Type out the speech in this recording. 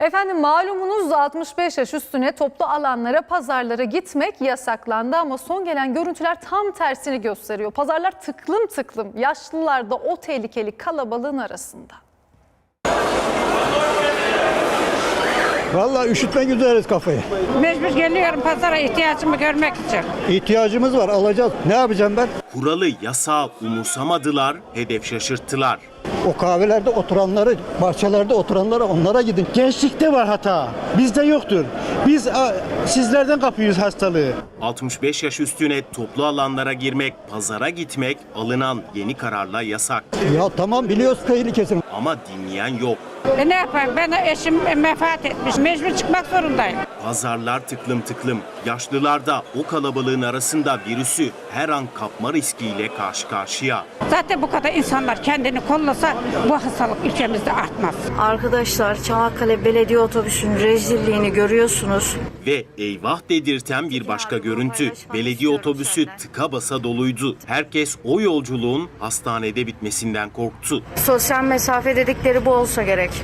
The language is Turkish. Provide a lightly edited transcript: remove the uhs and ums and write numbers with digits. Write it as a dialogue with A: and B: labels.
A: Efendim malumunuz 65 yaş üstüne toplu alanlara, pazarlara gitmek yasaklandı ama son gelen görüntüler tam tersini gösteriyor. Pazarlar tıklım tıklım, yaşlılar da o tehlikeli kalabalığın arasında.
B: Vallahi üşütme güzeriz kafayı.
C: Mecbur geliyorum pazara ihtiyacımı görmek için.
B: İhtiyacımız var, alacağız. Ne yapacağım ben?
D: Kuralı, yasağı umursamadılar, hedef şaşırttılar.
B: O kahvelerde oturanları, bahçelerde oturanlara, onlara gidin.
E: Gençlikte var hata. Bizde yoktur. Biz sizlerden kapıyoruz hastalığı.
D: 65 yaş üstüne toplu alanlara girmek, pazara gitmek alınan yeni kararla yasak.
B: Ya tamam biliyoruz tehlikesini.
D: Ama dinleyen yok.
C: Ne yapayım, ben eşim vefat etmiş, mecbur çıkmak zorundayım.
D: Pazarlar tıklım tıklım. Yaşlılar da o kalabalığın arasında virüsü her an kapma riskiyle karşı karşıya.
C: Zaten bu kadar insanlar kendini kollasa bu hastalık ülkemizde artmaz.
F: Arkadaşlar, Çanakkale Belediye Otobüsü'nün rezilliğini görüyorsunuz.
D: Ve eyvah dedirten bir başka görüntü. Belediye otobüsü tıka basa doluydu. Herkes o yolculuğun hastanede bitmesinden korktu.
F: Sosyal mesafe dedikleri bu olsa gerek.